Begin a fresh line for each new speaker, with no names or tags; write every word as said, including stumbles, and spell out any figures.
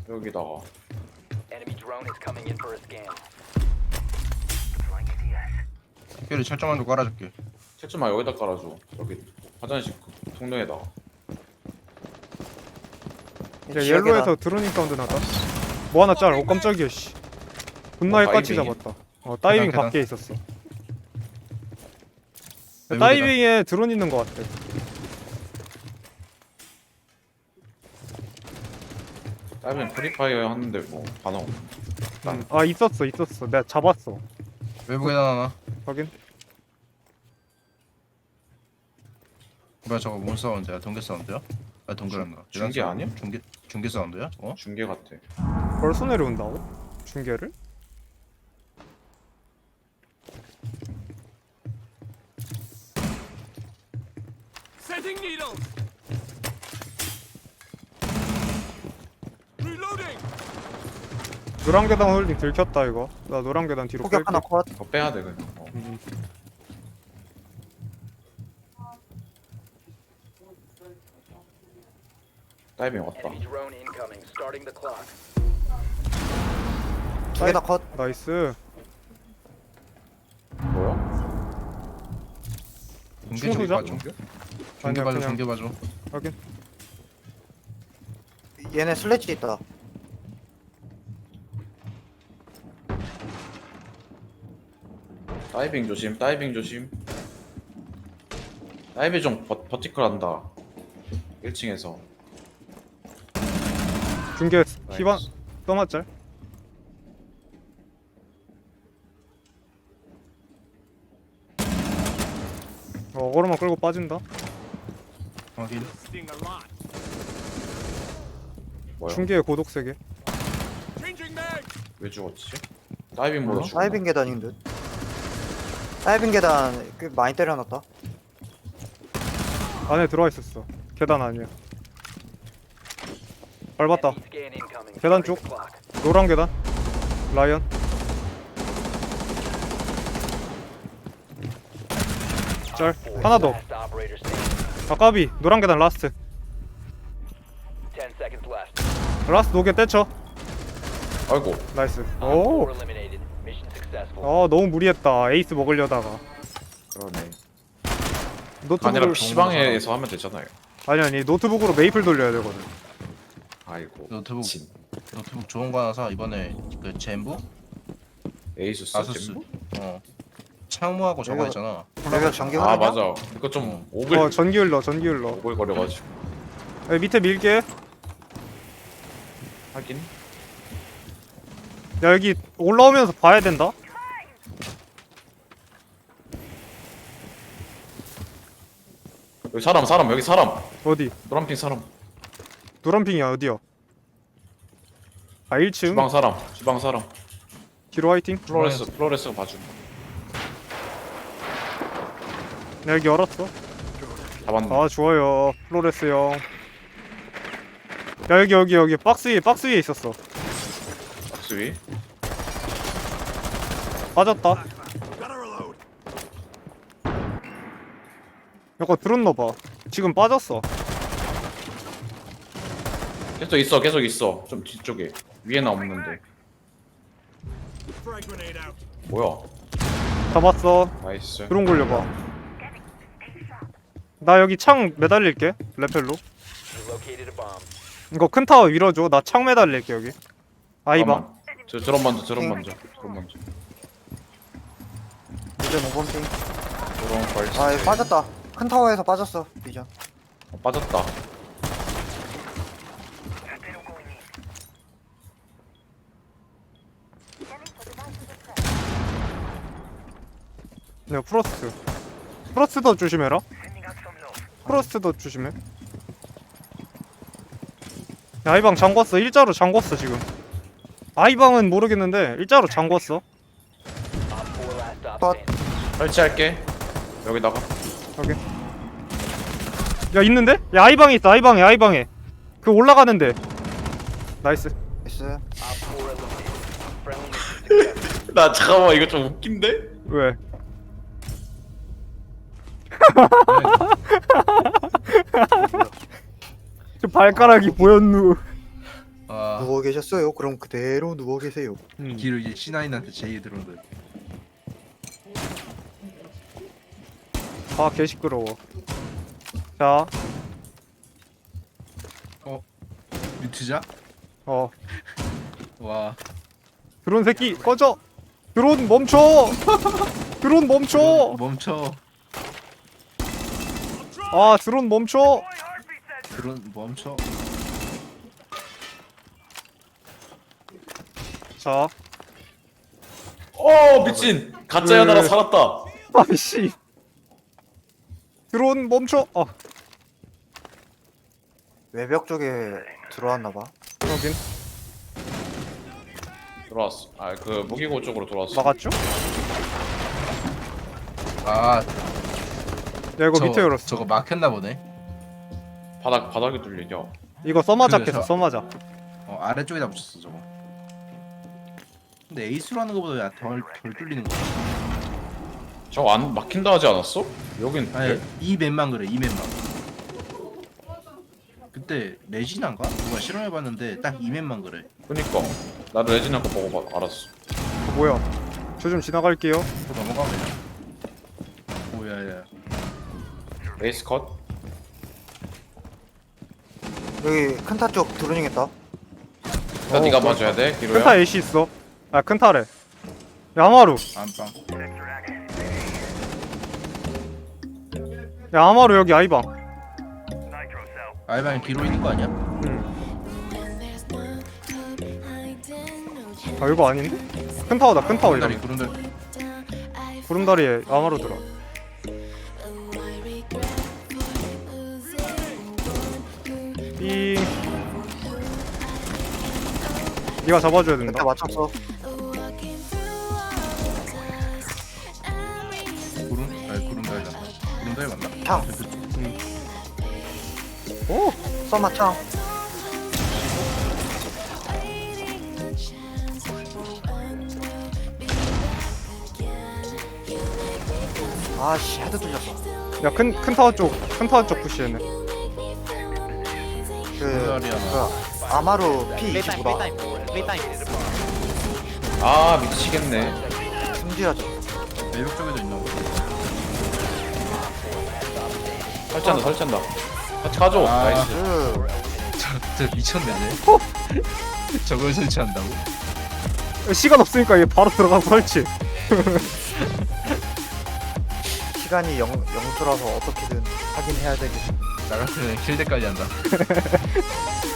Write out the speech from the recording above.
여기다가
Enemy drone is coming in for a scan.
특별히 철조망도 깔아줄게.
채점아 여기다 깔아줘. 여기 화장실 그 통로에다가.
야 옐로에서 드로닝 사운드 나다. 뭐 하나 짤. 어 깜짝이야 씨. 존나
어,
헷같이
다이빙이야?
잡았다. 어 다이빙
계단,
밖에 있었어. 야,
외부
다이빙에 드론 있는 거 같아.
다이빙 프리파이어 하는데 뭐 반응 없네.
음. 아 있었어 있었어. 내가 잡았어.
외부 계단 하나.
확인.
뭐야 저거 뭔 사운드야? 동계 사운드야? 아 동계란가.
중- 중계 아니야?
중계 중계 사운드야? 어?
중계 같아.
벌써 내려온다고? 중계를?
Setting needles. Reloading.
노란 계단 홀딩 들켰다 이거. 나 노란 계단 뒤로
포격
뺄게.
하나 컷.
더 빼야 돼 그냥. 어.
음.
다이빙 왔다.
Enemy drone incoming. Starting the clock.
두 개 다 컷.
나이스.
뭐야?
중계 중계
충수자?
봐줘. 중계
아니야,
봐줘.
그냥-
중계 봐줘.
확인.
얘네 슬래치 있다.
다이빙 조심. 다이빙 조심. 다이빙 좀 버, 버티컬 한다. 일 층에서.
중계 희반 떠맞짤. 어, 어그로만 끌고 빠진다.
확인.
Sting a lot.
뭐야?
중계의 고독 세계.
Changing mag.
왜 죽었지? 다이빙 모드
어?
죽었나?
다이빙 계단인 듯. 다이빙 계단 꽤 많이 때려놨다.
안에 들어와 있었어. 계단 아니야. 밟았다.
Enemy scan incoming.
계단
Starting
쪽.
the clock.
노란 계단. 라이언. 짤. 하나 더.
Last operator standing.
아까비. 노란 계단 라스트.
Ten seconds left.
라스트 노게 떼쳐.
아이고.
나이스.
Op
오.
four eliminated. Mission successful.
아 너무 무리했다. 에이스 먹으려다가.
그러네. 아니라
노트북을
피방에서 하면 되잖아요.
아니 아니 노트북으로 메이플 돌려야 되거든.
아이고.
노트북
진.
노트북 좋은 거 하나 사. 이번에 그 젠부?
에이수스
아수스?
젠부?
어. 창무하고 저거
내가-
있잖아.
내가 전기
아
흐르냐?
맞아. 이거 좀 오글
어 전기 흘러 전기 흘러.
오글거려가지고.
야, 밑에 밀게.
하긴.
야 여기 올라오면서 봐야 된다.
여기 사람 사람 여기 사람.
어디?
노란핑 사람.
노란핑이야 어디야? 아 일 층.
주방 사람. 주방 사람.
뒤로 화이팅.
플로레스 플로레스가 봐줌.
야, 여기 열었어.
잡았네.
아 좋아요 플로레스 형. 야 여기 여기 여기 박스 위에 박스 위에 있었어.
박스 위.
빠졌다.
Gotta reload.
약간 들었나봐. 지금 빠졌어.
계속 있어 계속 있어. 좀 뒤쪽에. 위에는 없는데.
Frag grenade out.
뭐야?
잡았어.
나이스.
드론 굴려봐. 나 여기 창 매달릴게. 레펠로.
You located a bomb.
이거 큰 타워 밀어줘. 나 창 매달릴게 여기. 아이방.
잠깐만. 저 드럼 먼저 드럼 먼저 드럼 먼저.
이제 모범팀.
드럼 벌써.
아, 얘 빠졌다. 큰 타워에서 빠졌어. 비전.
어, 빠졌다.
네 프로스트. 프로스트도 조심해라. 프로스트도 조심해. 야, 아이방 잠궜어. 일자로 잠궜어 지금. 아이방은 모르겠는데 일자로 잠궜어.
Op four last stop
But-
standing.
설치할게. 여기다가.
오케이. 야 있는데? 야 아이방에 있어. 아이방에 아이방에. 그 올라가는데. 나이스.
나이스.
Op four eliminated. Friendly mission successful.
나 잠깐만 이거 좀 웃긴데?
왜? 저 발가락이 보였누.
아
누워 계셨어요? 그럼 그대로 누워 계세요.
음.
뒤로 이제 씨나인한테 제이 들어오는.
아 개시끄러워. 자,
뮤트자?
어
와
드론 새끼 꺼져. 드론 멈춰. 드론 멈춰.
멈춰.
아 드론 멈춰.
드론 멈춰.
자,
어 미친 가짜야 나라 살았다.
아이씨. 드론 멈춰. 어,
외벽 쪽에 들어왔나봐.
여긴
들어왔어. 아 그 무기고 쪽으로 들어왔어.
막았죠?
아
야 이거
저,
밑에 열었어.
저거 막혔나 보네.
바닥 바닥에 뚫리죠.
이거 써마자
그래서-
깼어. 써마자.
어 아래쪽에다 붙였어 저거. 근데 에이스로 하는 거보다 덜, 덜 뚫리는 거.
저거 안 막힌다 하지 않았어? 여긴
아니
네?
이 맵만 그래 이 맵만. 그때 레지나인가? 누가 실험해봤는데 딱 이 맵만 그래.
그니까 나도 레지나 거 보고 봐, 알았어.
뭐야? 저 좀 지나갈게요.
또 넘어가면 그냥. 오야야.
레이스 컷.
여기 큰타 쪽 드로닝했다.
일단
어,
네가
그렇다.
봐줘야 돼 기로야.
큰타 애쉬 있어. 아 큰타래. 야마루.
안방.
야 아마루 여기 아이방.
알방에 뒤로 있는 거 아니야?
아 이거 아닌데? 큰 타워다 큰 타워 이거.
구름다리 구름다리.
구름다리에 아마루 들어. 삥. 네가 잡아줘야 된다.
그때 맞췄어.
구름? 아니 구름다리 맞나? 구름다리 맞나?
창.
오.
써마 창. 아씨 헤드 뚫렸어.
야큰 큰 타워 쪽 큰 타워 쪽 푸시했네.
그
구름다리 하나.
뭐야 아마루 피 이십오다.
아 미치겠네.
승지하죠.
외벽 쪽에도 있나 보다.
설치한다 설치한다. 같이 가줘.
아.
나이스.
그
저, 저 미쳤네. 저걸 설치한다고?
시간 없으니까 얘 바로 들어가서 설치.
시간이 영 영수라서 어떻게든 하긴 해야 되겠어.
나 같으면 킬대까지 한다.